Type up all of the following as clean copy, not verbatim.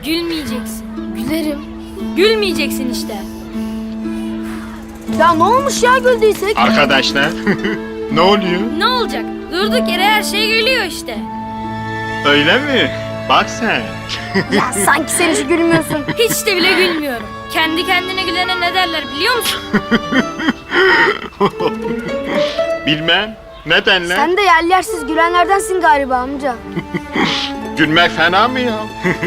Gülmeyeceksin. Gülerim. Gülmeyeceksin işte. Ya ne olmuş ya güldüysek? Arkadaşlar ne oluyor? Ne olacak? Durduk yere her şey gülüyor işte. Öyle mi? Bak sen. Ya sanki sen hiç gülmüyorsun. Hiç de bile gülmüyorum. Kendi kendine gülene ne derler biliyor musun? Bilmem. Neden lan? Sen de yersiz gülenlerdensin galiba amca. Gülmek fena mı ya?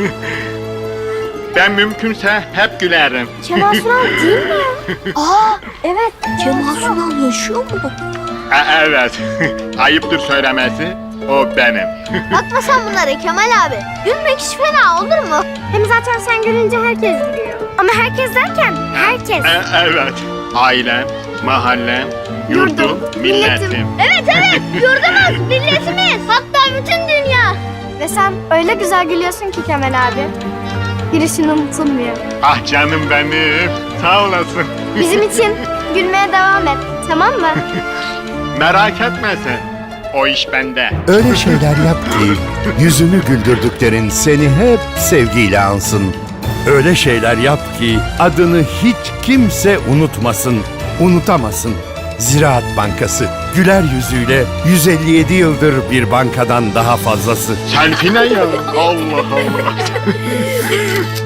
Ben mümkünse hep gülerim. Kemal Sunal değil mi ya? Aa evet. Kemal Sunal yaşıyor mu? Evet. Ayıptır söylemesi. O benim. Bakma sen bunlara Kemal abi. Gülmek hiç fena olur mu? Hem zaten sen gülünce herkes gülüyor. Ama herkes derken herkes. Evet. Ailem, mahallem, yurdum, milletim. Evet yurdumuz, milletimiz. Hatta bütün dünya. Ve sen öyle güzel gülüyorsun ki Kemal abi. Girişin unutulmuyor. Ah canım benim. Sağ olasın. Bizim için gülmeye devam et. Tamam mı? Merak etme sen. O iş bende. Öyle şeyler yap ki yüzünü güldürdüklerin seni hep sevgiyle ansın. Öyle şeyler yap ki adını hiç kimse unutmasın, unutamasın. Ziraat Bankası güler yüzüyle 157 yıldır bir bankadan daha fazlası. Selfie ne ya? Allah Allah.